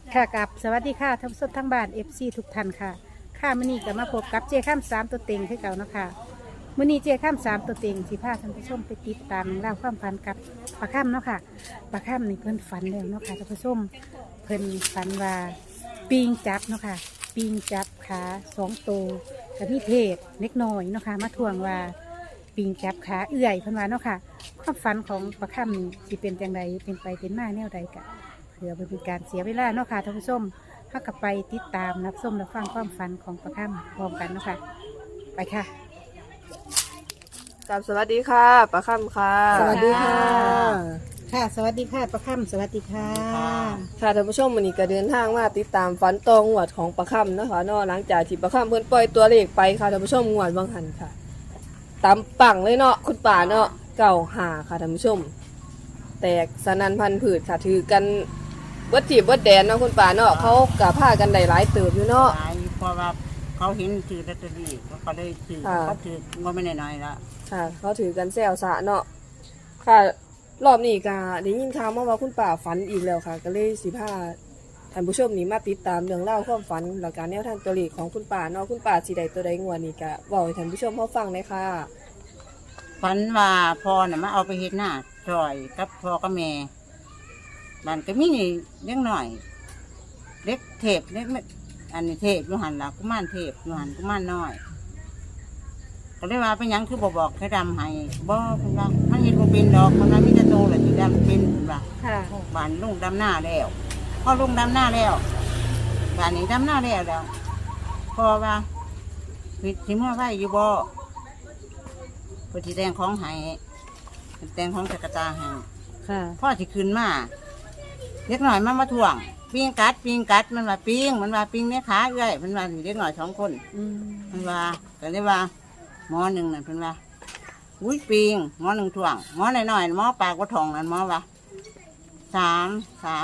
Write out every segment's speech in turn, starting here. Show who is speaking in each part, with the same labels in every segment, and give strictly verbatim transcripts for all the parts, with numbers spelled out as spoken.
Speaker 1: ค่ะกับสวัสดีค่ะท่านผู้ชมทั้งบ้านเอฟซีทุกท่านค่ะค่ะมื้อนี้ก็มาพบกับเจข้ามสามตัวเต็งคือเก่าเนาะค่ะมื้อนี้เจข้ามสามตัวเต็งสิพาท่านผู้ชมไปติดตามเล่าวความฝันกับปลาข้ามเนาะค่ะปลาข้ามนี่เพิ่นฝันแล้วเนาะค่ะท่านผู้ชมเพิ่นฝันว่าปิงจับเนาะค่ะปิงจับขาสองตัวกับมีเทศเล็กน้อยเนาะค่ะมาทวงว่าปิงจับขาเอื่อยเพิ่นว่าเนาะค่ะความฝันของปลาข้ามนี่สิเป็นจังไดเป็นไปเป็นมาแนวใดกะ เพื่อเป็นการเสียเวลาเนาะค่ะท่านผู้ชมถ้ากลับไปติดตามรับชมรับฟังความฝันของประค่ำพร้อมกันเนาะค่ะไปค่ะ
Speaker 2: กับสวัสดีค่ะปะค่ำค่ะ
Speaker 1: สวัสดีค่ะ ค่ะ สวัสดีค่ะประค่ำสวัสดีค่ะ
Speaker 2: ค่ะท่านผู้ชมวันนี้ก็เดินทางมาติดตามฝันตองหวดของปะค่ำนะคะเนอกหลังจากที่ปะค่ำเพิ่นปล่อยตัวเลขไปค่ะท่านผู้ชมงวดบางหันค่ะตามปังเลยเนาะคุณป่าเนาะเก่าหาค่ะท่านผู้ชม แตกสนันพันผืดค่ะถือกันวัดจีบวัดแดนเนาะคุณป่าเนาะเขากับผ้ากันได้หลายเติบอยู่เนาะ
Speaker 3: หลายเพราะว่าเขาเห็นถือลอตเตอรี่เขาเลยถือ
Speaker 2: ค่ะ
Speaker 3: เขาถือก็ไม่น้อยๆละ
Speaker 2: ค่ะเขาถือกันแซวสะเนาะค่ะรอบนี้ก็ได้ยินข่าวมาว่าคุณป่าฝันอีกแล้วค่ะ ก็เลยสิพาท่านผู้ชมนี่มาติดตามเรื่องเล่าวความฝันและการแนวทางตัวเลขของคุณป่าเนาะคุณป่าสิใดตัวใดงวดนี้ก็บอกให้ท่านผู้ชมเขาฟังเลยค่ะ
Speaker 3: ฝันว่าพ่อน่ะมาเอาไปเฮ็ดหน้าจอยกับพ่อกับแม่บ้านก็มีเล็กหน่อย เล็กเทพเล็กไม่อันนี้เทพอยู่หันละกุมารเทพอยู่หันกุมารน้อย ก็เลยว่าเป็นหยังคือบอกบอกให้ดำให้บ่เพิ่นว่ามันเห็นบ่เป็นดอกเพิ่นว่ามีแต่โตแหละที่ดำเป็นเพิ่นว่า
Speaker 1: ค่ะ
Speaker 3: บ้านลุงดำหน้าแล้วพอลุงดำหน้าแล้วบ้านนี้ดำหน้าแล้วแล้วพอว่าผิดสิเมื่อไหวอยู่บ่พอสิแต่งของให้แต่งของจักรตาให้
Speaker 1: ค่ะ
Speaker 3: พ่อสิขึ้นมาเล็กหน่อยมันมาถ่วงปิ้งกัดปิ้งกัดมันว่าปิ้งมันว่าปิ้งเนี้ยขาเอ้อยมันว่าเล็กหน่อยสองคน
Speaker 1: อืม
Speaker 3: มันว่าก็เลยว่าหมอหนึ่งนั่นเพิ่นว่าอุ้ยปิงหมอหนึ่งถ่วงหมอหน่อยๆหมอปากว่าทองนั่นหมอว่าสามสาม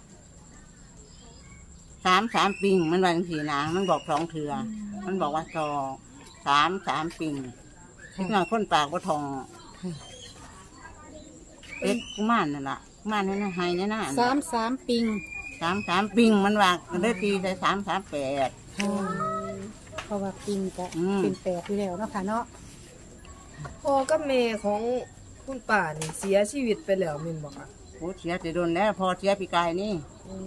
Speaker 3: สามสามปิงมันว่าจังสี่นะมันบอกสองเถื่อมันบอกว่าสองสามสามปิงเล็กน้อยคนปากว่าทองเล็กกุมารนั่นล่ะกุมารนั่นน่ะไฮนั่นน่ะ
Speaker 1: สามสามปิง
Speaker 3: สามสามปิงมันว่าก็เลยตีใส่สามสามแปด
Speaker 1: ค่ะเพราะว่าปิงจะ
Speaker 3: อืม
Speaker 1: เป็นแปดอยู่แล้วเนาะค่ะเนาะ
Speaker 2: พ่อกับแม่ของคุณป่านี่เสียชีวิตไปแล้วแม่นบ่ค่ะ
Speaker 3: โอ้เสียแต่โดนแล้วพอเสียปีกายนี่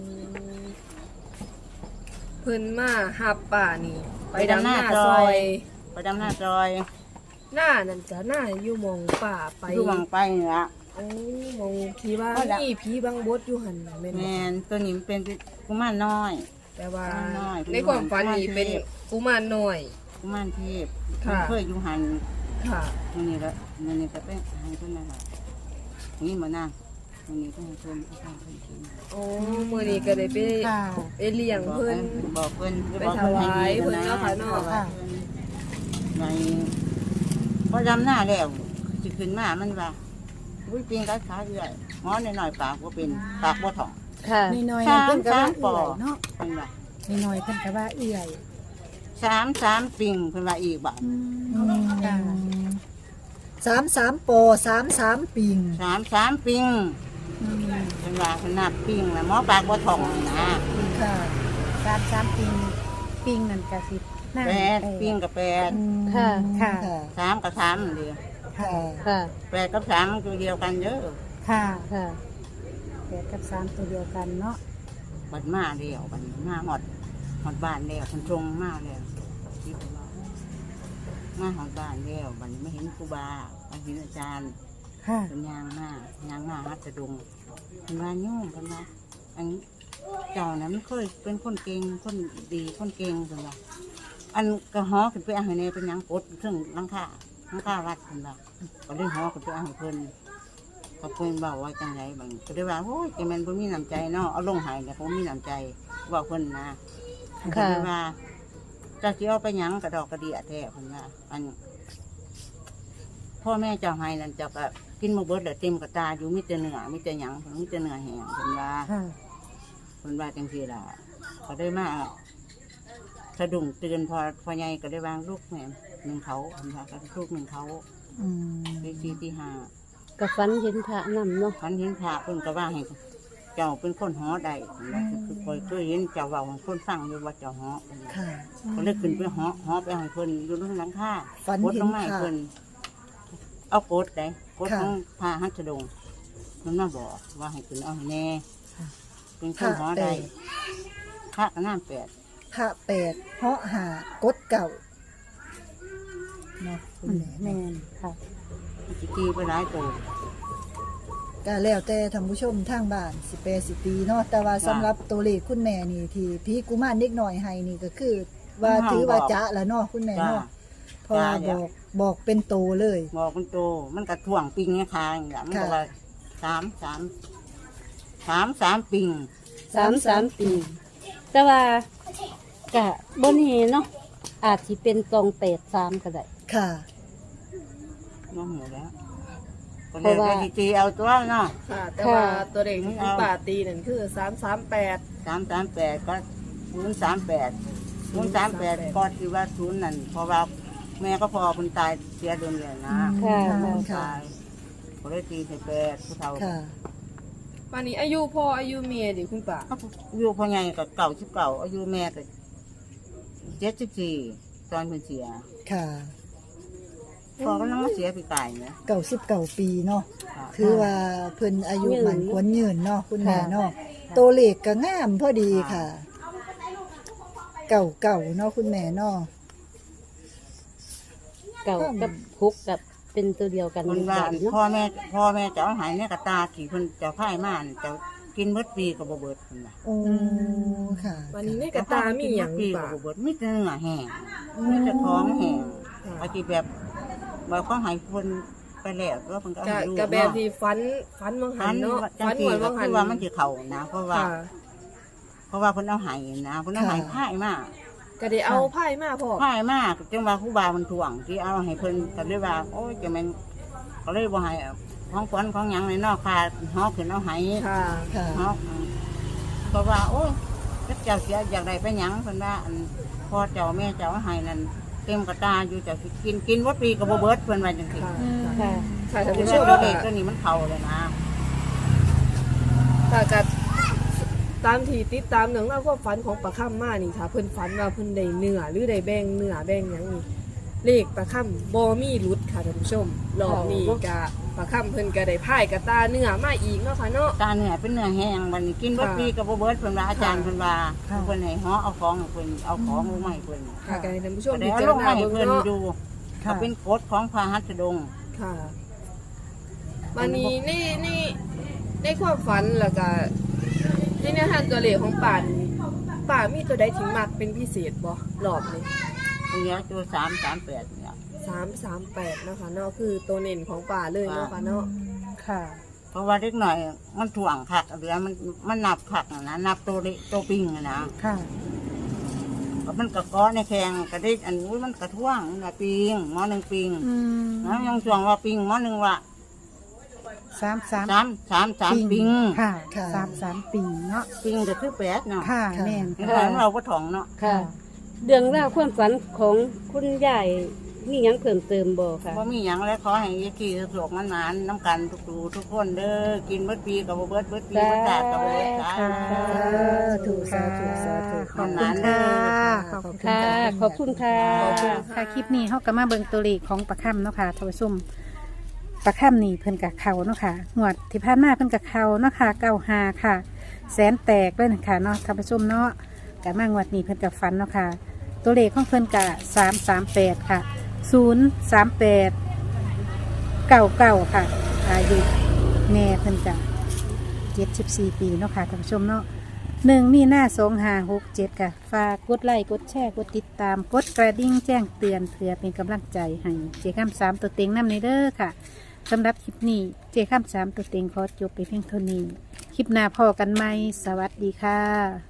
Speaker 2: เพิ่นมาหับป่านี่ไปดำหน้าซอย
Speaker 3: ไปดำหน้าจอย
Speaker 2: หน้านั่นจะหน้าอยู่หมองป่าไป
Speaker 3: ดูวังไปนี่ละ
Speaker 2: โอ้หมองผีว่า
Speaker 3: เอาล่ะ
Speaker 2: นี่ผีบางบดอยู่หันน่ะแม่น
Speaker 3: แม
Speaker 2: บ่
Speaker 3: นตัวนี้มันเป็นกุมารน้อย
Speaker 2: แต่ว่า
Speaker 3: น้อยๆ
Speaker 2: ในความฝันนี่เป็นกุมารน้อย
Speaker 3: กุมารเทพ
Speaker 2: ค่ะ
Speaker 3: มันเคยอยู่หัน
Speaker 2: ค่ะ
Speaker 3: มันนี่ละมันนี่ก็เป็นหันต้นนั่นแหละนี่มานั่งมันนี่ต้องให้เพิ่นเอาข้าวเพิ่นกิน
Speaker 2: โอ้มื้อนี้ก็ได้ไป
Speaker 1: ค่ะ
Speaker 2: ไปเลี้ยงเพิ่น
Speaker 3: บอกเพิ่น
Speaker 2: ไปถวายเพิ่นเนาะค่ะเนาะ
Speaker 1: ค่ะ
Speaker 3: ในพอดำหน้าแล้วสิขึ้นมามันว่าอุ้ยปีนกัดขาเรื่อยหมอหน่อยๆปากว่าเป็นปากว่าถ่อง
Speaker 2: ค่ะ
Speaker 1: น้อยๆเพิ่นก็ว่า
Speaker 3: สามสามปอ
Speaker 1: เอื่อยเนาะ
Speaker 3: เพิ่นว่า
Speaker 1: น้อยๆเพิ่นก็ว่าเอื่อย
Speaker 3: สามสามปิงเพิ่นว่าอีกบ่
Speaker 1: อืมค่ะ
Speaker 4: สามสามโปสามสามปิง
Speaker 3: สามสามปิง
Speaker 1: อืม
Speaker 3: เป็นว่าขนาดปิ้งนะหมอปากบ่ท่องนี่นะ
Speaker 1: ค่ะสามสามปิงปิงนั่นก็สิหน้า
Speaker 3: แปดปิ้งกับแปด
Speaker 2: ค่ะ
Speaker 1: ค่ะ
Speaker 3: สามกับสามนั่นเดียว
Speaker 4: ค่ะ
Speaker 2: ค่ะ
Speaker 3: แปดกับสามมันตัวเดียวกันเด้อ
Speaker 1: ค่ะ
Speaker 2: ค่ะ
Speaker 1: แปดกับสามตัวเดียวกันเนาะ
Speaker 3: บัดมาเดียวบัดมาหอดหอดบ้านแล้วคนตรงมาแล้วคิดว่ามาหอดบ้านแล้วบัดนี้ไม่เห็นครูบาไม่เห็นอาจารย์
Speaker 1: ค่ะ
Speaker 3: เป็นยางมากยางมาฮัดสะดุงเป็นว่าโยมเป็นว่าอันเจ้านั้นเคยเป็นคนเก่งคนดีคนเก่งเป็นว่าอันกระหอขึ้นไปเอาให้เนเป็นหยังกดเครื่องหลังคาหลังคาวัดเป็นว่าก็เลยหอขึ้นไปเอาให้เพิ่นเขาเพิ่นบอกว่าจังไรบางก็เลยว่าโอ้ยแกแมันบ่มีน้ำใจเนาะเอาลงใหายเนี่ยเขามีน้ำใจบอกเพิ่นนะก็เลยว่าเจะเที่ยวไปหยังกระดอกกระเดียแท้เพิ่นว่าอันพ่อแม่เจ้าให้นั่นเจ้าก็กินมาเบิดแล้วเต็มกระตาอยู่มิแต่เนื้อมิแต่หยังเพิ่นมิแต่เนื้อแห้งเพิ่นว่า
Speaker 1: ค่ะ
Speaker 3: เพิ่นว่าจังซี่ล่ะเขาได้มาสะดุ้งตื่นพอพอใหญ่ก็ได้วางลูกแม่หนึ่งเขาเพิ่นว่าก็ลูกหนึ่งเขา
Speaker 1: อืม
Speaker 3: ตีสี่ตีห้า
Speaker 2: กับฝันเห็นพระนำเนาะ
Speaker 3: พันเห็นพระเพิ่นก็ว่าให้เจ้าเป็นคนหอใดคือคอยเคยเห็นเจ้าเว่าของคนฟังอยู่ว่าเจ้าหอ
Speaker 4: ค่ะ
Speaker 3: เขาเลยขึ้นไปหอหอไปให้เพิ่นอยู่ตรงหลังคา
Speaker 4: ฝัน
Speaker 3: กด
Speaker 4: เห็น
Speaker 3: ลงมาให้
Speaker 4: ค่ะ
Speaker 3: เพิ่นเอากดได้กด
Speaker 4: ค่ะ
Speaker 3: ของพาหัตถดงมันมาบอกว่าให้ขึ้นเอาให้แน่
Speaker 4: ค่ะ
Speaker 3: เป็นคนหอใดพระก็น้ำแปด
Speaker 4: พระแปดเหาะหากดเก่าเนาะคุณแม่
Speaker 1: แม่
Speaker 4: เนาะ
Speaker 1: นค่ะ
Speaker 3: สิตีไปหลายตัว
Speaker 4: ก็แล้วแต่ท่านผู้ชมทางบ้านสิแปรสิตีเนาะแต่ว่าสำหรับตัวเลขคุณแม่นี่ที่พี่กุมารเด็กหน่อยให้นี่ก็คือ ว่าถือว่าจะแล้วเนาะคุณแม่
Speaker 3: จ้า
Speaker 4: เนาะเพราะว่าบอกบอกเป็นโตเลย
Speaker 3: บอกมันโตมันกระถ่วงปิงเนี่ยคางอย่างมันก็ว่าสามสามสามสามปิง
Speaker 1: สามสามปี แต่ว่ากะบนเฮเนาะอาจสิเป็นตองแปดสามก็ได้
Speaker 4: ค่ะ
Speaker 3: น้องหมูแล้วก็
Speaker 1: เพ
Speaker 3: เลย
Speaker 1: ราะว่า
Speaker 3: ไปตีเอาตัวเนาะ
Speaker 2: ค่ะ แต่ว่าตัวเด็กที่คุณป่าตีนั่นคือสามสามแปด
Speaker 3: สามสามแปดก็ศูนย์สามแปดศูนย์สามแปดก็ที่ว่าศูนย์นั่นเพราะว่าแม่ก็พอคนตายเสียเดือนเลยนะ
Speaker 1: ค่ะ
Speaker 4: ค่ะ
Speaker 3: ตายก็เลยตีใส่แปดผู้เฒ่า
Speaker 4: ค่ะ
Speaker 2: วันนี้อายุพ่ออายุเมียดิคุณป่า
Speaker 3: เขาอยู่พ่อใหญ่กับเก่าสิบเก่าอายุแม่ก็เจ็ดสิบสี่ตอนเพิ่นเสีย
Speaker 4: ค่ะ
Speaker 3: พอก็นั่งมาเสียปีกายเนี่ย
Speaker 4: เก่าสิบเก่าปีเนาะคือว่าเพิ่นอายุหมันควรยืนเนาะคุณแม่เนาะตัวเลขก็งามพอดีค่ะ เก่าเก่าเนาะคุณแม่เนาะ
Speaker 1: เก่ากับคุกกับเป็นตัวเดียวกัน
Speaker 3: คนว่า
Speaker 1: เนาะ
Speaker 3: พ่อแม่พ่อแม่จะเอาหายเนี่ยกระตาขี่คนจะพ่ายม่านจะกินเบิดปีกับบ่เบิดคนน่ะ
Speaker 4: โอ้ค่ะ
Speaker 2: วันนี้ในกระตามีอย่าง
Speaker 3: ปี
Speaker 2: ป่า
Speaker 3: กับบ่เบิดมีแต่เนื้อแห้งมีแต่ท้องแห้งอาทิแบบแบบเขาใหายคนไปแล้วแล้วมันก็
Speaker 2: กะ
Speaker 3: ให้ลูก
Speaker 2: กะแบบ
Speaker 3: เนาะ
Speaker 2: ที่ฟันฟันมังหั
Speaker 3: ฟั
Speaker 2: น
Speaker 3: น
Speaker 2: เนาะ
Speaker 3: จัง
Speaker 2: ฟัน
Speaker 3: สี
Speaker 2: หัว
Speaker 3: ก็
Speaker 2: มังหั
Speaker 3: คื
Speaker 2: น
Speaker 3: อว่ามันจะเข่านะ เพราะว่า
Speaker 2: ค่ะ
Speaker 3: เพราะว่าคนเอาใหายนะคนเอาใหายพ่ายมาก
Speaker 2: ก็ได้เอาไพ่มาพ่อ
Speaker 3: พ่ายมากจังว่าครูบามันถ่วงที่เอาให้เพิ่นก็เลยว่าโอ้ยจะแม่นก็เลยบ่ให้ของขวัญของหยังในนอกค่ะฮอกขึ้นเอาใหาย
Speaker 2: ค่ะ
Speaker 4: ค่ะ
Speaker 3: ฮอกก็ว่าโอ้ยเจ้าเสียอยากได้ไปหยังเพิ่นว่าอันพ่อเจ้าแม่เจ้าเอาใหายนั่นเต็มกระตาอยู่เจ้าสิกินกินวัดปีกับบ่เบิดเพิ่นว่าจังซี่
Speaker 2: ค่ะ
Speaker 1: ค่ะ
Speaker 2: ค่ะท่าน
Speaker 3: คือ
Speaker 2: ผู้ช
Speaker 3: ว่าม ตัว
Speaker 2: ก็
Speaker 3: เลขตัวนี้มันเข้าเลยนะ
Speaker 2: ค่ะกะตามที่ติดตามเรื่องราวความฝันของปลาค่ำมานี่ค่ะเพิ่นฝันว่าเพิ่นได้เนื้อหรือได้แบ่งเนื้อแบ่งหยังนี่เลขปลาค่ำบ่มีหลุดค่ะท่านผู้ชมรอบนี้กะปลาค่ำเพิ่นก็ได้พ่ายกระตาเนื้อมาอีกเนาะค่ะเนาะ
Speaker 3: ตาเนื้อเป็นเนื้อแห้งมันกินวัดปีกับบ่เบิดเพิ่นว่าอาจารย์เพิ่นว่า
Speaker 4: ค่ะ
Speaker 3: เพิ่นให้ฮอเอาของให้เพิ่นเอาของลงมาให้เพิ่น
Speaker 2: ค่ะก็ให้ท่านผู้ชม
Speaker 3: แต่
Speaker 2: พิ
Speaker 3: เอา
Speaker 2: จาร
Speaker 3: ลง
Speaker 2: ณา
Speaker 3: มาให้
Speaker 2: เบิ่ง
Speaker 3: เพิ่น
Speaker 2: เนาะ
Speaker 3: ดูก็เป็นกฎของพระหัตถดง
Speaker 2: ค่ะวันนี้ในในในความฝันแล้วก็ในแนวทางตัวเลขของป่านป่ามีตัวใดที่มักเป็นพิเศษบ่รอบนี้
Speaker 3: เนี่ยตัวสามสามแปดเนี่ย
Speaker 2: สามสามแปดเนาะค่ะเนาะคือตัวเน้นของป่าเลยเนาะค่ะเนาะ
Speaker 1: ค่ะ
Speaker 3: เพราะว่าเล็กหน่อยมันถ่วงผักเหลือมันมันนับผักน่ะนะนับตัวเล็กตัวปิงน่ะนะ
Speaker 1: ค่ะ
Speaker 3: ก็มันกระก้อในแข้งกระดิกอันนู้นมันกระท่วงน่ะปิงหมอหนึ่งปิง
Speaker 1: อืม
Speaker 3: นะยังช่วงว่าปิงหมอหนึ่งว่า
Speaker 1: สามสาม
Speaker 3: สามสามสามปิง
Speaker 1: ค่ะ
Speaker 4: ค่ะ
Speaker 1: สามสามปีเนาะ
Speaker 3: ปิงก็คือแปดเนาะ
Speaker 1: ค่ะ
Speaker 4: ค่ะ
Speaker 1: แม่น
Speaker 3: เห็น
Speaker 1: ค่ะ
Speaker 3: ไหมเราก็ถ่องเนาะ
Speaker 1: ค่ะ เรื่องราวความฝันของคุณยายมีหยังเพิ่มเติมบ่ค่ะ
Speaker 3: ว่ามีอย่างแล้วขอให้ยายกี่สะดวกมันนานน้ำกันทุกๆทุกคนเด้อกินเบิดปีกับบ่เบิดเบิดปีเบิดจาดกับบ่เบิดจาด
Speaker 1: ค่ะ
Speaker 4: ธุสาธุสาธุ
Speaker 1: ขอบคุณค่ะ ขอบคุณค่ะ ขอบคุณค่ะ
Speaker 2: ขอบคุณค่ะ
Speaker 1: ค่ะ คลิปนี้เฮาก็มาเบิ่งตัวเลขของปลาค่ำเนาะค่ะท่านผู้ชมปลาค่ำนี่เพิ่นกับเขาเนาะค่ะงวดที่ผ่านมาเพิ่นกับเขาเนาะค่ะเก้าหาค่ะ แสนแตกเลยนะคะเนาะท่านผู้ชมเนาะกับมางวดนี้เพิ่นกับฟันเนาะค่ะ ตัวเลขของเพิ่นกับสามสามแปดค่ะศูนย์สามแปดเก้าเก้าค่ะ อายุแม่เพิ่นกับเจ็ดสิบสี่ปีเนาะค่ะท่านผู้ชมเนาะหนึ่งมีหน้าสองหาหกเจ็ดค่ะฝากกดไลค์กดแชร์กดติดตามกดกระดิ่งแจ้งเตือนเพื่อเป็นกำลังใจให้เจ้าข้ามสามตัวเต็งน้ำในเด้อค่ะสำหรับคลิปนี้เจ้าข้ามสามตัวเต็งขอจบไปเพียงเท่านี้ คลิปหน้าพอกันไหมสวัสดีค่ะ